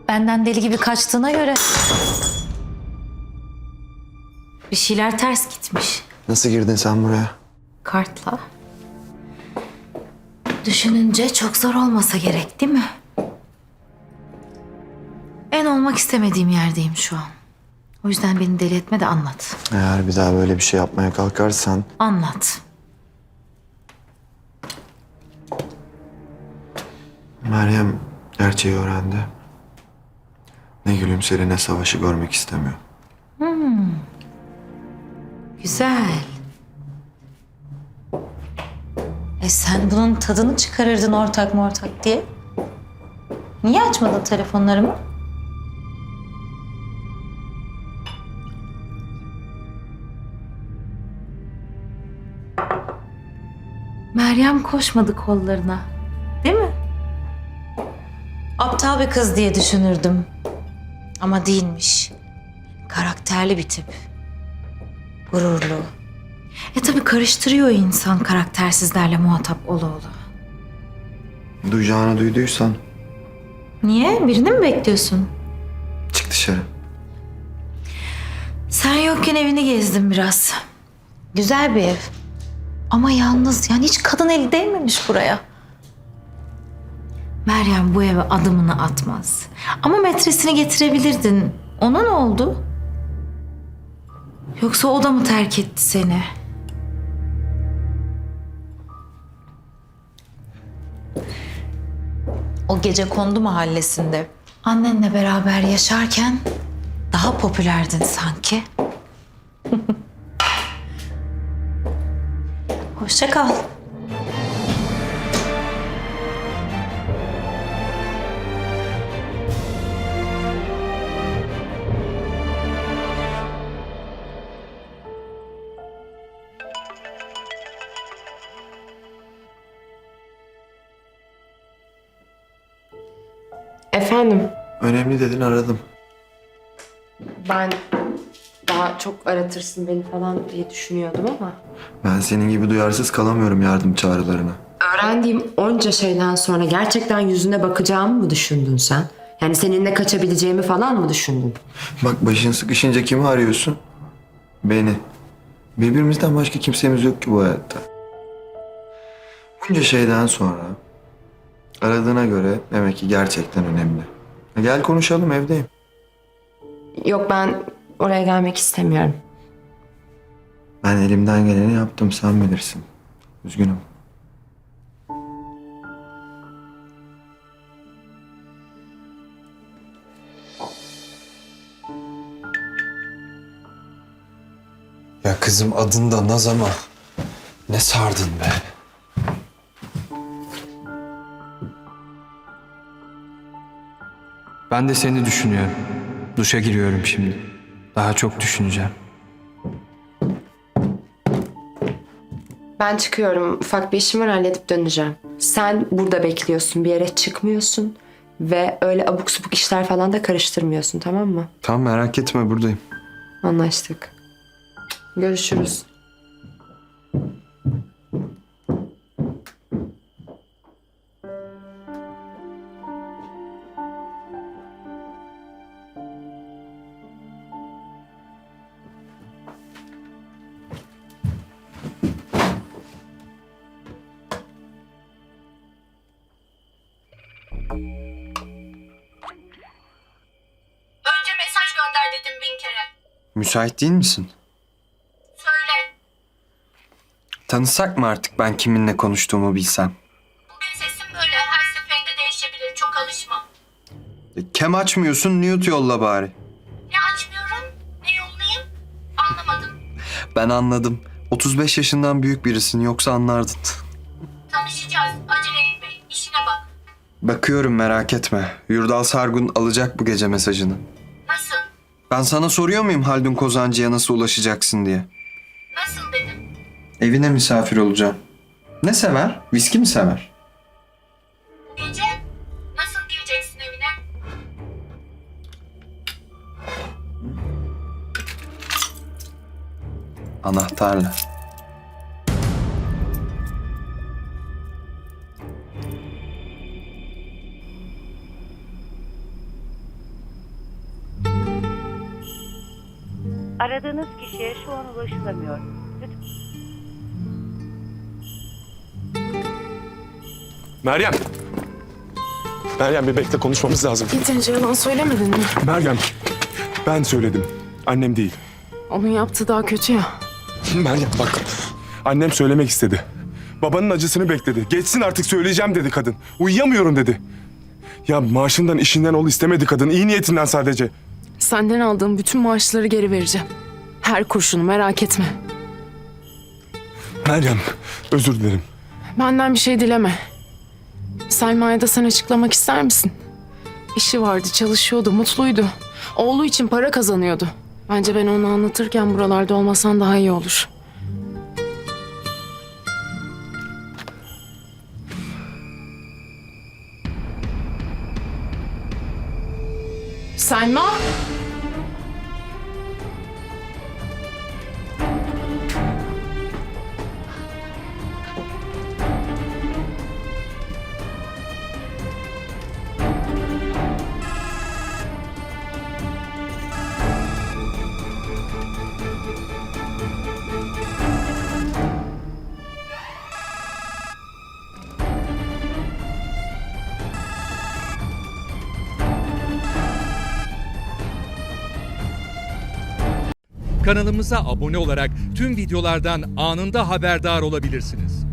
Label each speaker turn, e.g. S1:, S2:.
S1: Benden deli gibi kaçtığına göre bir şeyler ters gitmiş.
S2: Nasıl girdin sen buraya?
S1: Kartla. Düşününce çok zor olmasa gerek, değil mi? En olmak istemediğim yerdeyim şu an. O yüzden beni deli etme de anlat.
S2: Eğer bir daha böyle bir şey yapmaya kalkarsan...
S1: Anlat.
S2: Meryem gerçeği öğrendi. Ne Gülümser'i ne Savaş'ı görmek istemiyor.
S1: Güzel. Sen bunun tadını çıkarırdın ortak mı ortak diye. Niye açmadın telefonlarımı? Meryem koşmadı kollarına. Değil mi? Aptal bir kız diye düşünürdüm. Ama değilmiş. Karakterli bir tip. Gururlu. Tabii karıştırıyor insan karaktersizlerle muhatap ola.
S2: Duyacağını duyduysan
S1: Niye? Birini mi bekliyorsun?
S2: çık dışarı.
S1: Sen yokken evini gezdim biraz. Güzel bir ev. Ama yalnız, yani hiç kadın eli değmemiş buraya. Meryem bu eve adımını atmaz. Ama metresini getirebilirdin. Ona ne oldu? Yoksa o da mı terk etti seni? O Gecekondu mahallesinde annenle beraber yaşarken daha popülerdin sanki. Hoşça kal.
S3: Efendim,
S2: Önemli dedin, aradım.
S3: ben daha çok aratırsın beni falan diye düşünüyordum ama...
S2: Ben senin gibi duyarsız kalamıyorum yardım çağrılarına.
S3: Öğrendiğim onca şeyden sonra gerçekten yüzüne bakacağımı mı düşündün sen? Yani seninle kaçabileceğimi falan mı düşündün?
S2: Bak, başın sıkışınca kimi arıyorsun? Beni. Birbirimizden başka kimsemiz yok ki bu hayatta. Bunca şeyden sonra aradığına göre demek ki gerçekten önemli. Gel konuşalım, evdeyim.
S3: Yok, ben oraya gelmek istemiyorum.
S2: Ben elimden geleni yaptım, sen bilirsin. Üzgünüm.
S4: Ya kızım, adın da Naz ama ne sardın be. Ben de seni düşünüyorum. Duşa giriyorum şimdi. Daha çok düşüneceğim.
S3: Ben çıkıyorum. Ufak bir işim var, halledip döneceğim. Sen burada bekliyorsun, bir yere çıkmıyorsun. Ve öyle abuk subuk işler falan da karıştırmıyorsun, tamam mı?
S4: Tamam, merak etme, buradayım.
S3: Anlaştık. Görüşürüz.
S5: Önce mesaj gönder dedim 1000 kere.
S4: Müsait değil misin?
S5: Söyle.
S4: Tanısak mı artık, ben kiminle konuştuğumu bilsem?
S5: Bugün sesim böyle, her seferinde değişebilir. Çok alışma.
S4: Kem açmıyorsun, mute yolla bari.
S5: Ne açmıyorum, ne yollayayım anlamadım.
S4: Ben anladım. 35 yaşından büyük birisin, yoksa anlardın.
S5: Tanışacağız. Acele etme. İşine bak.
S4: Bakıyorum, merak etme. Yurdal Sargun alacak bu gece mesajını.
S5: Nasıl?
S4: Ben sana soruyor muyum Haldun Kozancı'ya nasıl ulaşacaksın diye?
S5: Nasıl dedim.
S4: Evine misafir olacağım. Ne sever? Viski mi sever?
S5: Bu gece nasıl gireceksin evine?
S4: Anahtarla.
S6: Aradığınız kişiye şu an ulaşılamıyor. Lütfen.
S7: Meryem! Meryem bir bekle, konuşmamız lazım.
S8: Yeterince yalan söylemedin mi?
S7: Meryem, ben söyledim. Annem değil.
S8: Onun yaptığı daha kötü ya.
S7: Meryem bak, annem söylemek istedi. Babanın acısını bekledi. Geçsin artık, söyleyeceğim dedi kadın. Uyuyamıyorum dedi. Ya maaşından, işinden ol istemedi kadın. İyi niyetinden sadece.
S8: Senden aldığım bütün maaşları geri vereceğim. Her kurşunu, merak etme.
S7: Meryem, özür dilerim.
S8: Benden bir şey dileme. Selma'ya da sen açıklamak ister misin? İşi vardı, çalışıyordu, mutluydu. Oğlu için para kazanıyordu. Bence ben onu anlatırken buralarda olmasan daha iyi olur. Selma!
S9: Kanalımıza abone olarak tüm videolardan anında haberdar olabilirsiniz.